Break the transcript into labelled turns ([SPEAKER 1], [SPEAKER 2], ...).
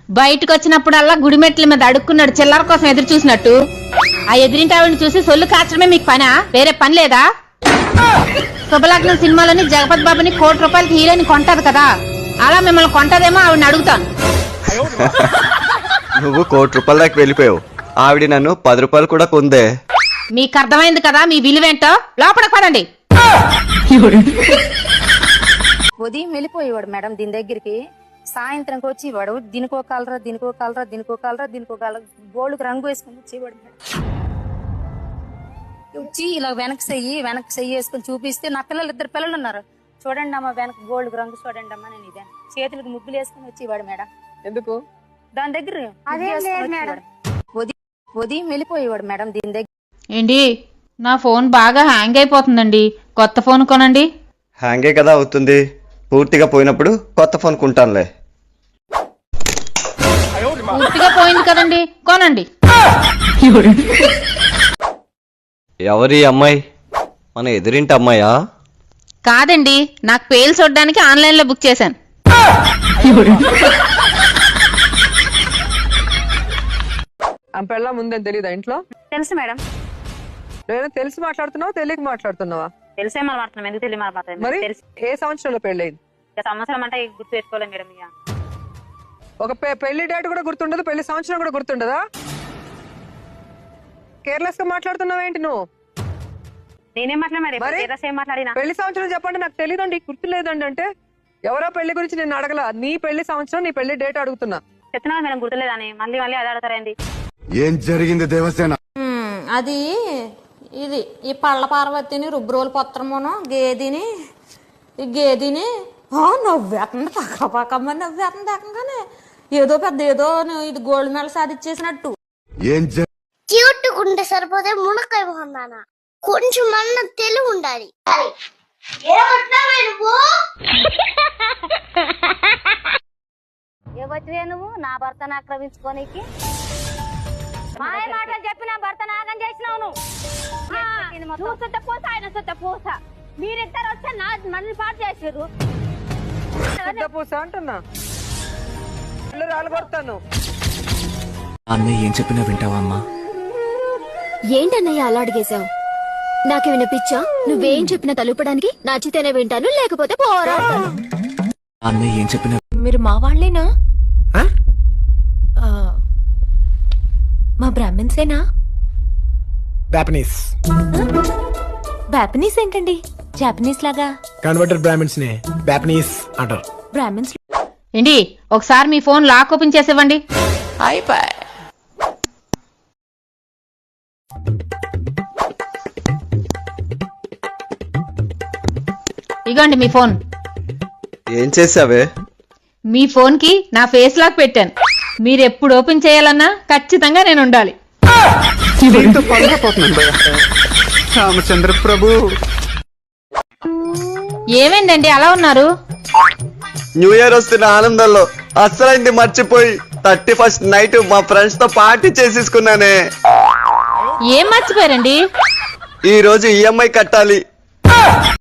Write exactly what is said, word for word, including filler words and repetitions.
[SPEAKER 1] బయటకు వచ్చినప్పుడల్లా గుడిమెట్ల మీద అడుక్కున్నాడు చిల్లర కోసం ఎదురు చూసినట్టు. ఆ ఎదిరింటి ఆవిడని చూసి సొల్లు కాచడమే మీకు పనా? వేరే పని లేదా? శుభలగ్నం సినిమాలోని జగపతి బాబుని కోటి రూపాయలకి హీరోని కొంటది కదా, అలా మిమ్మల్ని కొంటదేమో ఆవిడని అడుగుతాను.
[SPEAKER 2] నువ్వు కోటి రూపాయల దాకా వెళ్ళిపోయావు, ఆవిడ నన్ను పది రూపాయలు కూడా కొందే.
[SPEAKER 1] మీకు అర్థమైంది కదా మీ విలువేంటో. లోపలికి పదండి.
[SPEAKER 3] ఉదయం వెళ్ళిపోయేవాడు మేడం దీని దగ్గరికి, సాయంత్రంకి వచ్చేవాడు. దీనికో కలరా దీనికో కలరా దీనికో కలరా దీనికో కలరా గోల్డ్కి రంగు వేసుకుని వచ్చేవాడు మేడం. వచ్చి ఇలా వెనక్కి చెయ్యి వెనక్కి చెయ్యి వేసుకొని చూపిస్తే, నా పిల్లలు ఇద్దరు పిల్లలు ఉన్నారు, చూడండి అమ్మ వెనక గోల్డ్ రంగు చూడండి అమ్మా, నేను ఇదే చేతులకు ముగ్గులు వేసుకుని వచ్చేవాడు మేడం.
[SPEAKER 4] ఎందుకు
[SPEAKER 3] దాని దగ్గర ఉదయం ఉదయం వెళ్ళిపోయేవాడు మేడం దీని దగ్గర.
[SPEAKER 1] ఏంటి నా ఫోన్ బాగా హ్యాంగ్ అయిపోతుందండి, కొత్త ఫోన్ కొనండి.
[SPEAKER 2] హ్యాంగే కదా అవుతుంది, పూర్తిగా పోయినప్పుడు కొత్త ఫోన్ కొంటానులే.
[SPEAKER 1] పూర్తిగా పోయింది కదండి, కొనండి.
[SPEAKER 2] ఎవరి అమ్మాయి? మన ఎదురింటి అమ్మాయా?
[SPEAKER 1] కాదండి, నాకు పేలు చూడడానికి ఆన్లైన్ లో బుక్ చేశాను.
[SPEAKER 4] అంపెళ్ళ ముందని తెలీదా ఇంట్లో?
[SPEAKER 3] తెలుసు మేడం.
[SPEAKER 4] నేను తెలిసి మాట్లాడుతున్నావా తెలియక మాట్లాడుతున్నావా?
[SPEAKER 3] తెలిసే మాట్లాడుతున్నాం, ఎందుకు తెలియ మాట్లాడుతున్నాం.
[SPEAKER 4] మరి ఏ సంవత్సరంలో పెళ్ళయింది?
[SPEAKER 3] సంవత్సరం అంటే గుర్తు పెట్టుకోలేదు మేడం. ఇక
[SPEAKER 4] ఒక పెళ్లి డేట్ కూడా గుర్తుండదు, పెళ్లి సంవత్సరం కూడా గుర్తుండదా? కేర్లెస్ గా మాట్లాడుతున్నావు ఏంటి నువ్వు?
[SPEAKER 3] నేనేం మాట్లాడినా
[SPEAKER 4] పెళ్లి సంవత్సరం చెప్పండి, నాకు తెలియదండి గుర్తులేదండి అంటే. ఎవరో పెళ్లి గురించి నేను అడగల, నీ పెళ్లి సంవత్సరం నీ పెళ్లి డేట్ అడుగుతున్నా.
[SPEAKER 3] చెప్తున్నా మేడం గుర్తులేదని, మళ్ళీ మళ్ళీ అది అడుగుతారండి.
[SPEAKER 5] ఏం జరిగింది దేవసేన?
[SPEAKER 6] అది ఇది ఈ పళ్ళ పార్వతిని రుబ్రోలు పత్రమును గేదిని ఈ గేదిని నవ్వేస్తుంది, పక్క పక్కమ్మ నవ్వేస్తుంది ఏకంగానే. ఏదో పెద్ద ఏదో ఇది గోల్డ్ మెడల్ సాధించేసినట్టు.
[SPEAKER 5] ఏం
[SPEAKER 7] క్యూట్ ఉంటే సరిపోతే మునక్కాయ మొహందానా, కొంచెం అన్న తెలివి ఉండాలి.
[SPEAKER 3] ఎవరివే నువ్వు నా భర్తను ఆక్రమించుకోనికి? మాయ మాటలు చెప్పి నా భర్త నాగం చేసినావు నువ్వు. నువ్వు సుత్త పూస ఆయన సుత్త పూస, మీరిద్దరు వస్తే నా మనల్ని పాటు చేసారు.
[SPEAKER 4] పూస అంటున్నా, రాలగొడతాను.
[SPEAKER 8] అన్నయ్య ఏం చెప్పినా వింటావా అమ్మా?
[SPEAKER 9] ఏంటన్నయ్య అలా అడిగేశావు? నాకు వినిపించా? నువ్వేం చెప్పినా తలుపడానికి నచ్చితేనే వింటాను, లేకపోతే పోరా.
[SPEAKER 8] అన్నయ్య ఏం చెప్పినా
[SPEAKER 9] మీరు మా వాళ్ళేనా? మా బ్రాహ్మిన్సేనా?
[SPEAKER 10] జాపనీస్.
[SPEAKER 9] బ్యాపనీస్ ఏంటండి? జాపనీస్ లాగా.
[SPEAKER 10] కన్వర్టెడ్ బ్రాహ్మిన్స్ నే జాపనీస్ అంటారు.
[SPEAKER 9] బ్రాహ్మిన్స్
[SPEAKER 1] ఏంటి ఒకసారి మీ ఫోన్ లాక్ ఓపెన్ చేసివ్వండి. అయిపోయి ఇగోండి మీ ఫోన్.
[SPEAKER 2] ఏం చేసావే?
[SPEAKER 1] మీ ఫోన్ కి నా ఫేస్ లాక్ పెట్టాను, మీరు ఎప్పుడు ఓపెన్ చేయాలన్నా ఖచ్చితంగా నేను ఉండాలి.
[SPEAKER 5] రామచంద్ర ప్రభు,
[SPEAKER 1] ఏమైందండి అలా ఉన్నారు?
[SPEAKER 2] న్యూ ఇయర్ వస్తున్న ఆనందంలో అసలైంది మర్చిపోయి థర్టీ ఫస్ట్ నైట్ మా ఫ్రెండ్స్ తో పార్టీ చేసేసుకున్నానే.
[SPEAKER 1] ఏం మర్చిపోయారండి?
[SPEAKER 2] ఈ రోజు ఈఎంఐ కట్టాలి.